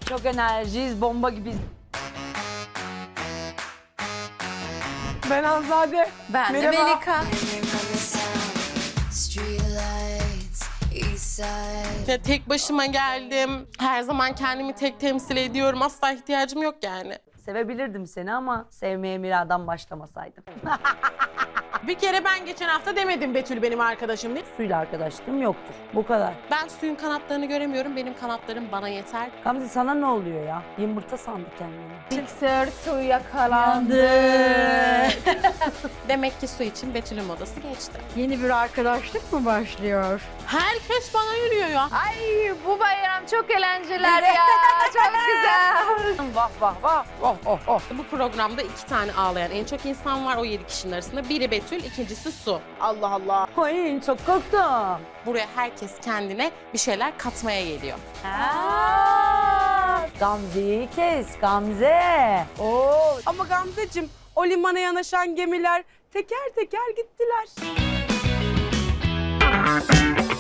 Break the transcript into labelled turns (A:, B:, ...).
A: Çok enerjiyiz, bomba gibiyiz.
B: Ben Hanzade.
C: Ben de
B: Merhaba.
C: Melika.
D: Ya tek başıma geldim. Her zaman kendimi tek temsil ediyorum. Asla ihtiyacım yok yani.
A: Sevebilirdim seni ama sevmeye Mira'dan başlamasaydım.
B: Bir kere ben geçen hafta demedim Betül benim arkadaşım diye.
A: Suyla arkadaşlığım yoktur. Bu kadar.
D: Ben suyun kanatlarını göremiyorum. Benim kanatlarım bana yeter.
A: Gamze sana ne oluyor ya? Yumurta sandı kendini.
C: Mikser su yakalandı.
D: Demek ki su için Betül'ün modası geçti.
E: Yeni bir arkadaşlık mı başlıyor?
D: Herkes bana yürüyor ya.
C: Ay bu bayram çok eğlenceler ya. Çok güzel.
A: Vah vah vah. Oh oh oh.
D: Bu programda 2 tane ağlayan en çok insan var o 7 kişinin arasında. Biri Betül, ikincisi Su.
B: Allah Allah.
A: Ay çok korktum.
D: Buraya herkes kendine bir şeyler katmaya geliyor.
A: Gamze'yi kes Gamze. Oo.
B: Ama Gamzeciğim o limana yanaşan gemiler teker teker gittiler.